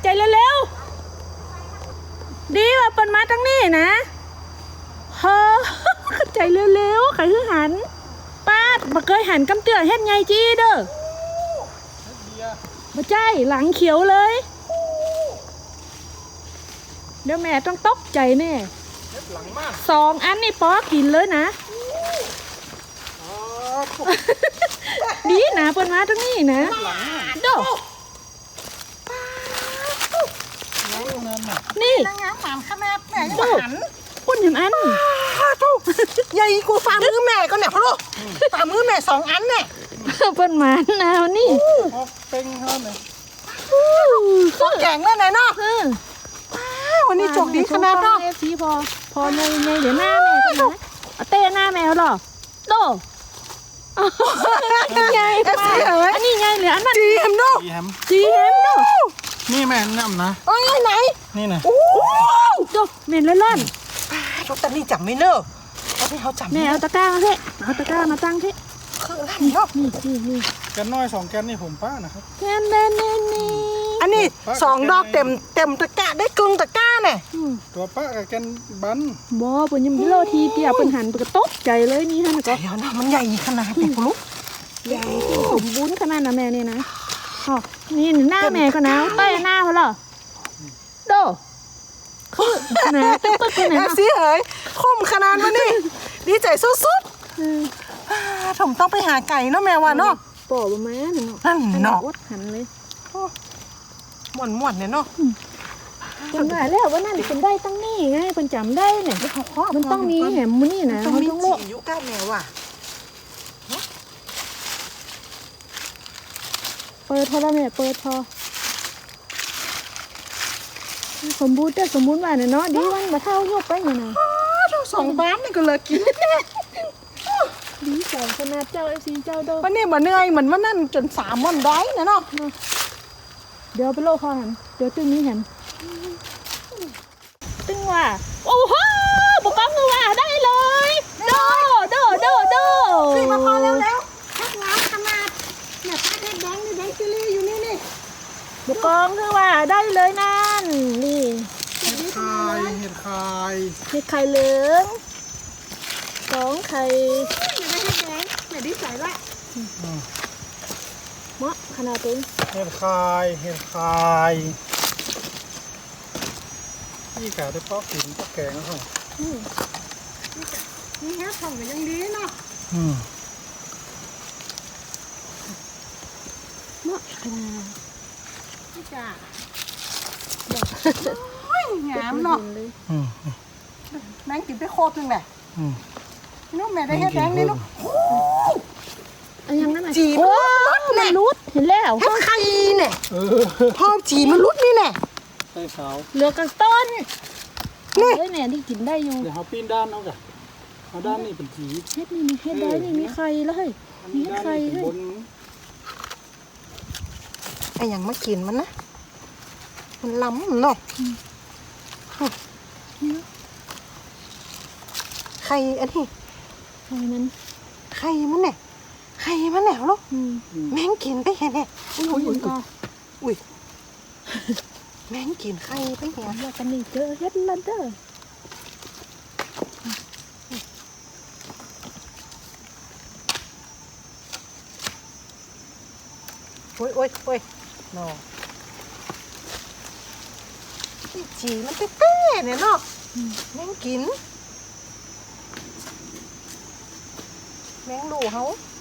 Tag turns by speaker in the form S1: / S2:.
S1: ใจเร็วๆดีว่าเปิดมาตั้งนี้นะเฮ้อใจเร็วๆใครคือหันป้าบ่เคยหันกำเตือเฮ็ดไงจี้เด้อบ่ใจหลังเขียวเลยเดี๋ยวแม่ต้องตกใจแน่2 อันนี่ป๊อกินเลยนะดีนะเปิดมาตั้งนี้นะโดนี่
S2: นางงามหมามค่ะแม่แม่ยังหัน
S1: ปุ่นถึงอัน
S2: ทุกใหญ่กูฝ่ามือแม่ก็เนี่ยพ่อลูกฝ่ามือแม่2 อันเนี่ย
S1: เปิ้นหมานะนี่
S3: เป็นเท่าไหร่
S2: พวกแก่งแล้วไหนเนาะวันนี้โชคดีขนาดเนาะ
S1: สีพอไงเดี๋ยวหน้าแม่ก็นะเอาเต้หน้าแมวหรอโตไงอันนี้ไงเหลืออันนั้น
S2: จีเอ็มเนาะ
S3: ดีแฮม
S1: จีเห็นเนาะ
S3: นี่แม่น้ำนะ
S2: เอ้ยไหน
S3: นี่นะ
S2: โอ้
S1: โตเม็นล่อน
S2: ทุกตอนนี้จับไม่เนอะตอนนี้เขาจับ
S1: แม่เอาตะกร้ามาเพ่เอาตะกร้ามาตั้งเพ่
S2: คืออะไรเนาะ
S1: นี่
S3: แกนน้อย2 แกนนี่ผมป้านะครับ
S1: แค่นี่
S2: อันนี้2 ดอกเต็มตะกร้าได้กึ่งตะกร้าเนี่ย
S3: ตัวป้ากับแกนบัน
S1: บ่เปิ้นยังโลทีเดียวเปิ้นหันเปิ้นก็ตกใจเลยนี่ฮะนะก็
S2: เดี๋ยวนะมันใหญ่ขนาดไหนพ่อลูก
S1: ใหญ่สมบูรณ์ขนาดนะแม่นี่นะอ๋อนี่หน้าแม่ก็นะเต้หน้าเขาเหรอโดคือนะปึ๊กๆเลยนะ
S2: สิเอ๋ยคมขนาดมันนี่ดีใจสุดๆผมต้องไปหาไก่เนาะแม่ว่าเนาะ
S1: ปอบมาหนึ่ง
S2: นั่นเนาะ
S1: วัดหันเลย
S2: ม่วนเนี่ยเนาะ
S1: คนว่าแล้วว่านั่นเป็นได้ตั้งนี่ไงเป็นจำได้เนี่ยมันต้องมีแหมมันนี่นะ
S2: ต้อง
S1: มัน
S2: มี
S1: ต้องโล
S2: จีอยู่ก้าแม่ว่ะ
S1: เปิดพอแล้วแม่เปิดพอสมบูรณ์แต่สมบูรณ์ว่าเนี่ยเนาะดีวันมาเท่ายกไปเนี่ยนะ
S2: เรา2 บ้านนี่ก็เลยกิน
S1: ดีใจขนาดเจ้าเอฟซีเจ้าโด
S2: วันนี้บ่เหนื่อยเหมือนว่านั่นจน3 วันได้นะเนาะ
S1: เดี๋ยวไปโลกคอหันเดี๋ยวตึ้งนี้หันตึ้งว่าโอ้โหบุกกล้องมือว่าได้เลยโด
S2: พี่มาพอแล้วแค่งามขนาดเนี่ยป้าแดงนี่แดงจิลี่อยู่นี่
S1: บุกกล้องคือว่าได้เลยนั่นนี่
S3: เห็ดคายเห็ดคาย
S1: มีไข่เหลือง2 ไข่
S2: อย่าได้แดงอย่าดีใจละ
S1: เหมาะขนาดตึง
S3: เห็ดคายเห็ดคายนี่กะได้ป้อกินป้อแกงแล้ว
S2: นี่แค่ทองก็ยังดีเนาะ
S1: เหมาะขนาด
S2: พี่จ๋าโอ้ยงามเนาะแมงกินไปโคตรนึงแหละน้องแม่ได้แค่แดงนี่เนาะ
S1: อันยังนั่นน่ะ
S2: จี
S1: โอ้
S2: มันรุดเนี่ย
S1: มันรุดเห็นแล้ว
S2: แค่ไข่เนี่ยพอจีมันรุดนี่แหละ
S3: ใส่ขาว
S1: เหลือกับต้น
S2: นี่
S1: เฮ้ยเนี่ยที่กินได้อยู่
S3: เดี๋ยวเขาปีนด้านเอากะเอาด้านนี้เป็นสี
S1: เฮ็ดนี่มีเฮ็ดได้นี่มีไข่แล้วเฮ้ยมีเฮ็ด
S3: ด้าน
S1: ไข่
S3: นี้เป็น
S1: เฮ้ย
S3: บน
S2: ไอ้ยังมากินมันนะมันล้ำเนาะไข่อันนี้
S1: ไข่มัน
S2: ไข่มันเนี่ยไข่มันแหนวลูกแมงกินไปแค่เนี่ย
S1: อุ้ยก็
S2: อุ้ยแมงกินไข่ไปเนี่ย
S1: ว่ากันนี่เจอเฮ็ดละเด้อ
S2: โอ้ยเนาะนี่จีมันเต้ๆเนี่ยเนาะแมงกินแมงดูเขา